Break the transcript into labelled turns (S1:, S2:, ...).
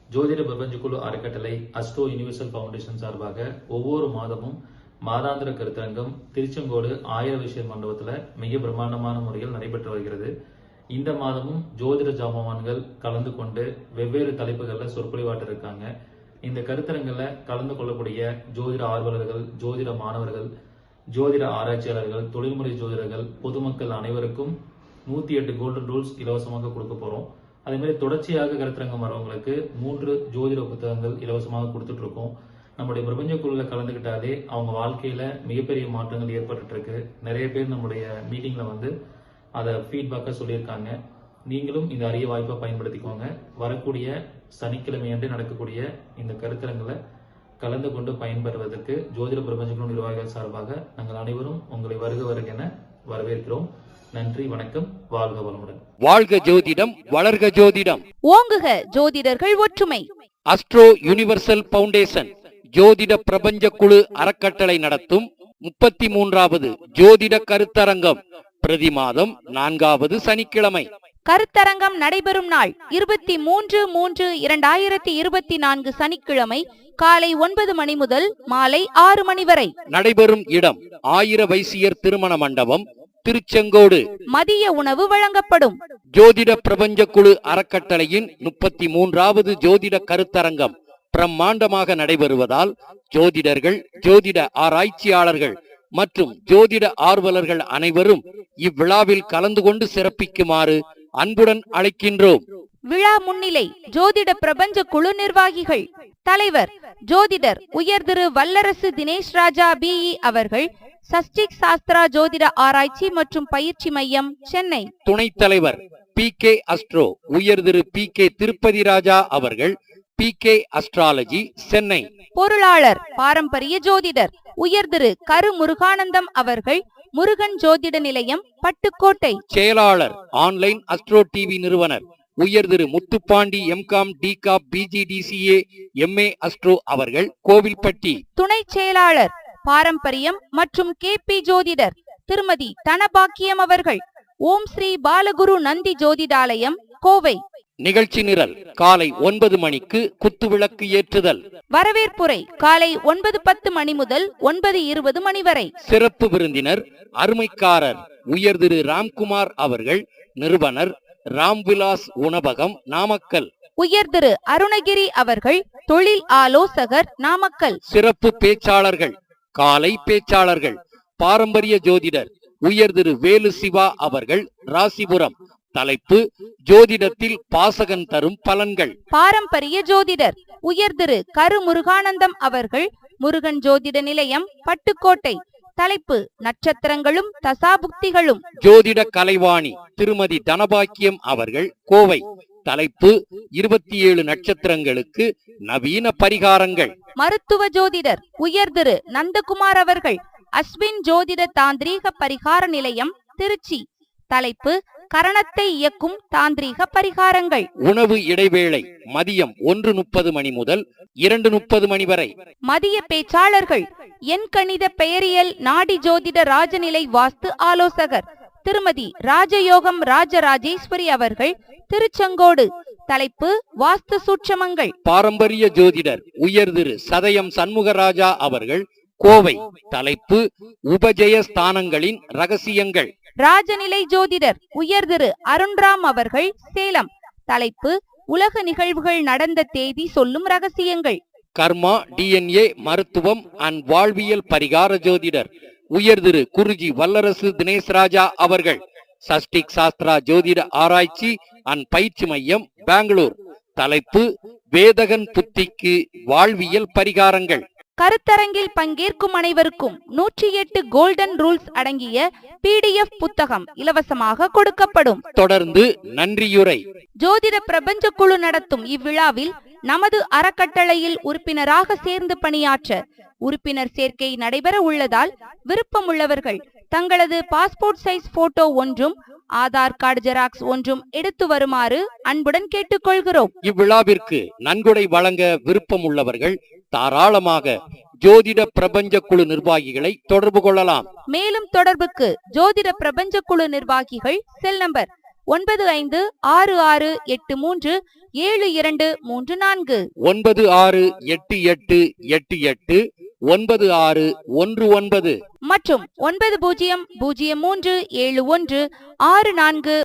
S1: ஜோதிட பிரபஞ்சக்குழு அறக்கட்டளை astro universal foundation சார்பாக ஒவ்வொரு மாதமும் மாதாந்திர கருத்தரங்கம் திருச்செங்கோடு ஆயிர விஷய மண்டபத்தில் மிக பிரம்மாண்டமான முறையில் நடைபெற்று வருகிறது. இந்த மாதமும் ஜோதிட ஜாமவான்கள் கலந்து கொண்டு வெவ்வேறு தலைப்புகளில் சொற்பொழிவாட்ட இருக்காங்க. இந்த கருத்தரங்கில் கலந்து கொள்ளக்கூடிய ஜோதிட ஆர்வலர்கள், ஜோதிட மாணவர்கள், ஜோதிட ஆராய்ச்சியாளர்கள், தொழில்முறை ஜோதிடர்கள், பொதுமக்கள் அனைவருக்கும் 108 கோல்டன் ரூல்ஸ் இலவசமாக கொடுக்க போறோம். அதே மாதிரி தொடர்ச்சியாக கருத்தரங்கம் வரவங்களுக்கு 3 ஜோதிட புத்தகங்கள் இலவசமாக கொடுத்துட்டு இருக்கோம். நம்முடைய பிரபஞ்ச குழுல கலந்துகிட்டாலே அவங்க வாழ்க்கையில மிகப்பெரிய மாற்றங்கள் ஏற்பட்டு இருக்கு. நிறைய பேர் நம்முடைய மீட்டிங்ல வந்து அதை ஃபீட்பேக்கா சொல்லியிருக்காங்க. நீங்களும் இந்த அரிய வாய்ப்பை பயன்படுத்திக்கோங்க. வரக்கூடிய சனிக்கிழமை அன்று நடக்கக்கூடிய இந்த கருத்தரங்களை கலந்து கொண்டு பயன்பெறுவதற்கு ஜோதிட பிரபஞ்ச குழு நிர்வாகிகள் சார்பாக நாங்கள் அனைவரும் உங்களை வருக என வரவேற்கிறோம். நன்றி, வணக்கம், வாழ்க வளமுடன்.
S2: வாழ்க ஜோதிடம், வளர்க ஜோதிடம்,
S3: ஓங்குக ஜோதிடர்கள் ஒற்றுமை.
S2: அஸ்ட்ரோ யூனிவர்சல் ஃபவுண்டேஷன் ஜோதிட பிரபஞ்ச குழு அறக்கட்டளை நடத்தும் 33வது ஜோதிட கருத்தரங்கம் பிரதி மாதம் 4வது சனிக்கிழமை.
S3: கருத்தரங்கம் நடைபெறும் நாள் 23/3/2024 சனிக்கிழமை காலை 9 மணி முதல் மாலை 6 மணி வரை.
S2: நடைபெறும் இடம் ஆயிர வைசியர் திருமண மண்டபம், திருச்செங்கோடு.
S3: மதிய உணவு வழங்கப்படும்.
S2: ஜோதிட பிரபஞ்ச குழு அறக்கட்டளையின் 33வது ஜோதிட கருத்தரங்கம் பிரம்மாண்டமாக நடைபெறுவதால் ஜோதிடர்கள், ஜோதிட ஆராய்ச்சியாளர்கள் மற்றும் ஜோதிட ஆர்வலர்கள் அனைவரும் இவ்விழாவில் கலந்து கொண்டு சிறப்பிக்குமாறு அன்புடன் அழைக்கின்றோம்.
S3: விழா முன்னிலை ஜோதிட பிரபஞ்ச குழு நிர்வாகிகள். தலைவர் ஜோதிடர் உயர் திரு வல்லரசு தினேஷ் ராஜா பிஇ அவர்கள், சஷ்டிக் சாஸ்திரா ஜோதிட ஆராய்ச்சி மற்றும் பயிற்சி மையம், சென்னை.
S2: துணைத் தலைவர் PK அஸ்ட்ரோ உயர் திரு PK திருப்பதி ராஜா அவர்கள், PK அஸ்ட்ராலஜி, சென்னை.
S3: பொருளாளர் பாரம்பரிய ஜோதிடர் உயர் திரு கரு முருகானந்தம் அவர்கள், முருகன் ஜோதிட நிலையம், பட்டுக்கோட்டை.
S2: செயலாளர் ஆன்லைன் அஸ்ட்ரோ டிவி நிறுவனர் உயர் திரு Muthupandi MCom DCOM BGDCA MA astro அவர்கள், கோவில்பட்டி.
S3: துணை செயலாளர் பாரம்பரியம் மற்றும் KP ஜோதிடர் திருமதி தனபாக்கியம் அவர்கள், ஓம் ஸ்ரீ பாலகுரு நந்தி ஜோதிடாலயம், கோவை.
S2: நிகழ்ச்சி நிரல் காலை 9 மணிக்கு குத்துவிளக்கு ஏற்றுதல்.
S3: வரவேற்புரை காலை 9:10 மணி முதல் 9:20 மணி வரை.
S2: சிறப்பு விருந்தினர் அருமைக்காரர் உயர் திரு ராம்குமார் அவர்கள், நிறுவனர் ராம்விலாஸ் உணவகம், நாமக்கல்.
S3: உயர் திரு அருணகிரி அவர்கள், தொழில் ஆலோசகர், நாமக்கல்.
S2: சிறப்பு பேச்சாளர்கள் காலை பேச்சாளர்கள் பாரம்பரிய ஜோதிடர் உயர் திரு வேலு சிவா அவர்கள், ராசிபுரம். தலைப்பு ஜோதிடத்தில் பாசகன் தரும் பலன்கள்.
S3: பாரம்பரிய ஜோதிடர் உயர் திரு கரு முருகானந்தம் அவர்கள், முருகன் ஜோதிட நிலையம், பட்டுக்கோட்டை. தலைப்பு நட்சத்திரங்களும் தசாபுக்திகளும்.
S2: ஜோதிட கலைவாணி திருமதி தனபாக்கியம் அவர்கள், கோவை. தலைப்பு 27 நட்சத்திரங்களுக்கு நவீன பரிகாரங்கள்.
S3: மருத்துவ ஜோதிடர் உயர் திரு நந்தகுமார் அவர்கள், அஸ்வின் ஜோதிட தாந்திரீக பரிகார நிலையம், திருச்சி. தலைப்பு கரணத்தை இயக்கும் தாந்திரீக பரிகாரங்கள்.
S2: உணவு இடைவேளை மதியம் 1:30 மணி முதல் 2:30 மணி வரை.
S3: மதிய பேச்சாளர்கள் எண் கணித பெயரியல் நாடி ஜோதிட ராஜநிலை வாஸ்து ஆலோசகர் திருமதி ராஜயோகம் ராஜராஜேஸ்வரி அவர்கள், திருச்செங்கோடு. தலைப்பு வாஸ்து சூட்சமங்கள்.
S2: பாரம்பரிய ஜோதிடர் உயர் திரு சதயம் சண்முகராஜா அவர்கள், கோவை. தலைப்பு உபஜய ஸ்தானங்களின் ரகசியங்கள்.
S3: ராஜநிலை ஜோதிடர் உயர் திரு அருண்ராம் அவர்கள், சேலம். தலைப்பு உலக நிகழ்வுகள் நடந்த தேதி சொல்லும் ரகசியங்கள்.
S2: கர்மா DNA மருத்துவம் அண்ட் வாழ்வியல் பரிகார ஜோதிடர் உயர் திரு குருஜி வல்லரசு தினேஷ் ராஜா அவர்கள், சஷ்டிக் சாஸ்திரா ஜோதிட ஆராய்ச்சி அண்ட் பயிற்சி மையம், பெங்களூர். தலைப்பு வேதகன் புத்திக்கு வாழ்வியல் பரிகாரங்கள்.
S3: கருத்தரங்கில் பங்கேற்கும் அனைவருக்கும் 108 கோல்டன் ரூல்ஸ் அடங்கிய PDF புத்தகம் இலவசமாக கொடுக்கப்படும்.
S2: தொடர்ந்து நன்றியுரை.
S3: ஜோதிட பிரபஞ்ச குழு நடத்தும் இவ்விழாவில் நமது அறக்கட்டளையில் உறுப்பினராக சேர்ந்து பணியாற்ற உறுப்பினர் சேர்க்கை நடைபெற உள்ளதால் விருப்பமுள்ளவர்கள் தங்களது பாஸ்போர்ட் சைஸ் போட்டோ ஒன்றும் ஆதார் கார்டு ஜெராக்ஸ் ஒன்றும் எடுத்து வருமாறு அன்புடன் கேட்டுக்கொள்கிறோம்.
S2: இவ்விழாவிற்கு நன்கொடை வழங்க விருப்பம் உள்ளவர்கள் தாராளமாக ஜோதிட பிரபஞ்ச குழு நிர்வாகிகளை தொடர்பு கொள்ளலாம்.
S3: மேலும் தொடர்புக்கு ஜோதிட பிரபஞ்ச குழு நிர்வாகிகள் செல் நம்பர் 956683 7234
S2: 9688889619
S3: மற்றும் 90037164